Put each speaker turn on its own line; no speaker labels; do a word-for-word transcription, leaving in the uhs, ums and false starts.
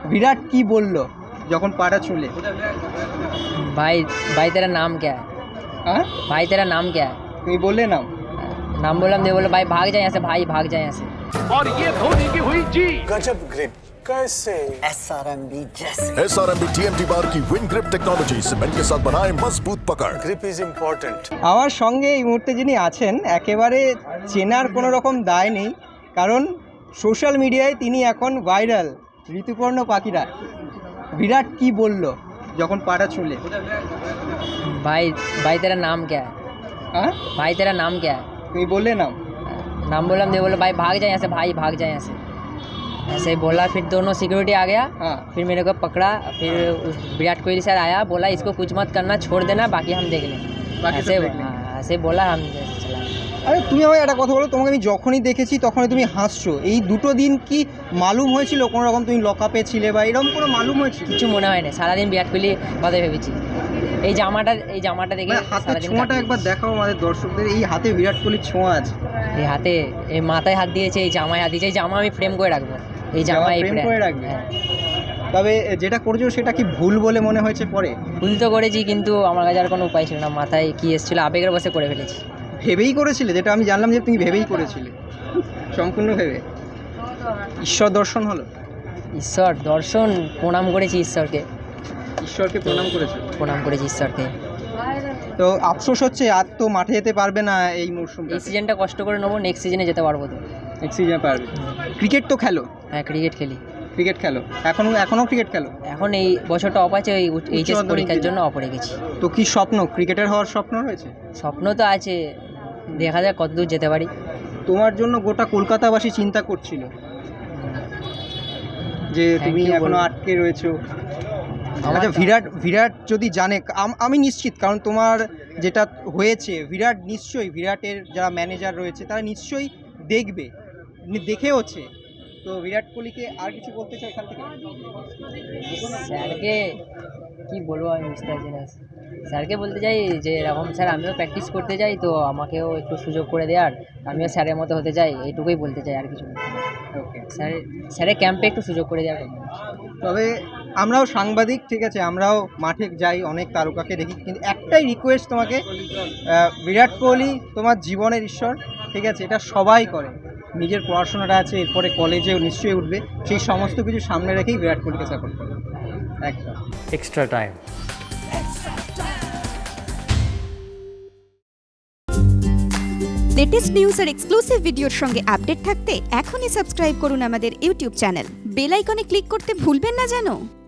विराट की बोललो যখন পাটা ছুলে?
भाई भाई तेरा नाम क्या है?
हाँ
भाई तेरा नाम क्या है?
তুমি বললে নাম?
नाम बोला हमने, बोला भाई भाग जाए यहाँ से, भाई भाग जाए यहाँ से।
और ये धोनी की हुई जी।
गजब ग्रिप कैसे
एसआरएमबी जैसे
एसआरएमबी टीएमटी बार की विन ग्रिप टेक्नोलॉजी सीमेंट के साथ बनाए मजबूत पकड़।
Grip is important.
আমার সঙ্গে এই মুহূর্তে যিনি আছেন একেবারে চেনার কোনো রকম দায় নেই, কারণ সোশ্যাল মিডিয়ায় তিনি এখন ভাইরাল। ঋতুপর্ণ পাখিরা বিরাট কি বলল যখন পাটা ছুলে?
भाई भाई तेरा नाम क्या है?
हाँ
भाई तेरा नाम क्या है?
তুমি বললে নাম?
नाम बोला हमने, बोला भाई भाग जाए यहाँ से, भाई भाग जाए यहाँ से। ऐसे ही बोला, फिर दोनों सिक्योरिटी आ गया।
हाँ
फिर मेरे को पकड़ा, फिर उस विराट कोहली सर आया, बोला इसको कुछ मत करना, छोड़ देना, बाकी हम देख लेंगे।
बाकी सब
ऐसे
देख लेंगे।
हाँ, ऐसे बोला, हम चला।
আরে তুমি আমায় একটা কথা বলো, তোমাকে আমি যখনই দেখেছি তখনই তুমি হাসছো। এই দুটো দিন কি মালুম হয়েছিল কোনো রকম তুমি লকআপে ছিলে বা এরকম কোনো মালুম হয়েছিল?
কিছু মনে হয় না, সারাদিন বিরাট কোহলি কথা ভেবেছি। এই জামাটা এই জামাটা দেখে
মানে হাতের
সারাদিন
ছোঁয়াটা
কাটিয়ে
একবার দেখাও আমাদের দর্শকদের। এই হাতে বিরাট কোহলির ছোঁয়া আছে।
এই হাতে, এই মাথায় হাত দিয়েছে, এই জামায় হাত দিয়েছে। এই জামা আমি ফ্রেম করে রাখবো, এই
জামা
জামা এই
frame
frame-
করে রাখবে?
হ্যাঁ।
তবে যেটা করছো সেটা কি ভুল বলে মনে হয়েছে পরে?
ভুল তো করেছি, কিন্তু আমার কাছে আর কোনো উপায় ছিল না। মাথায় কি এসেছিলো, আবেগের বসে করে ফেলেছি।
ভেবেই করেছিলে? যেটা আমি জানলাম যে তুমি ভেবেই করেছিলে, সম্পূর্ণ ভেবে। ঈশ্বর দর্শন হলো?
ঈশ্বর দর্শন, প্রণাম করেছি ঈশ্বরকে,
ঈশ্বরকে প্রণাম করেছে?
প্রণাম করেছি ঈশ্বরকে।
তো আফসোস হচ্ছে আর তো মাঠে যেতে পারবে না এই মরশুমটা।
এই সিজনটা কষ্ট করে নেবো, নেক্সট সিজনে যেতে পারবো তো।
নেক্সট সিজনে পারবে। ক্রিকেট তো খেলো?
হ্যাঁ, ক্রিকেট খেলি।
ক্রিকেট খেলো এখনো? এখনও ক্রিকেট খেলো?
এখন এই বছরটা অফ আছে, ওই এইচএস
মাধ্যমিক
পরীক্ষার
দিলে।
জন্য অফ রেখেছি।
তো কি স্বপ্ন, ক্রিকেটার হওয়ার স্বপ্ন রয়েছে?
স্বপ্ন তো আছে, দেখা যাক কতদূর যেতে পারি।
তোমার জন্য গোটা কলকাতাবাসী চিন্তা করছিল যে
Thank
তুমি
you
এখনো
বলবো।
আটকে রয়েছো।
আমার
আচ্ছা, বিরাট বিরাট যদি জানে, আম- আমি নিশ্চিত, কারণ তোমার যেটা হয়েছে, বিরাট নিশ্চয়ই, বিরাটের যারা ম্যানেজার রয়েছে তারা নিশ্চয়ই দেখবে, নি- দেখেওছে। তো বিরাট কোহলিকে আর কিছু বলতে চাই এখান থেকে?
স্যারকে কি বলবো, আমি বুঝতে পারছি না। স্যারকে বলতে চাই যে এরকম স্যার আমিও প্র্যাকটিস করতে চাই, তো আমাকেও একটু সুযোগ করে দেওয়ার, আমিও স্যারের মতো হতে চাই, এইটুকুই বলতে চাই, আর কিছু না।
ওকে।
স্যার স্যারের ক্যাম্পে একটু সুযোগ করে দেওয়ার কথা।
তবে আমরাও সাংবাদিক, ঠিক আছে, আমরাও মাঠে যাই, অনেক তারকাকে দেখি, কিন্তু একটাই রিকোয়েস্ট তোমাকে, আহ, বিরাট কোহলি তোমার জীবনের ঈশ্বর, ঠিক আছে, এটা সবাই করে। নিজের পড়াশোনাটা আছে, এরপরে কলেজেও নিশ্চয়ই উঠবে, সেই সমস্ত কিছু সামনে রেখেই বিরাট কোহলিকে সাপোর্ট করবে একদম।
Extra time.
লেটেস্ট নিউজ আর এক্সক্লুসিভ ভিডিওর সঙ্গে আপডেট থাকতে এখনই সাবস্ক্রাইব করুন আমাদের ইউটিউব চ্যানেল। বেল আইকনে ক্লিক করতে ভুলবেন না যেন।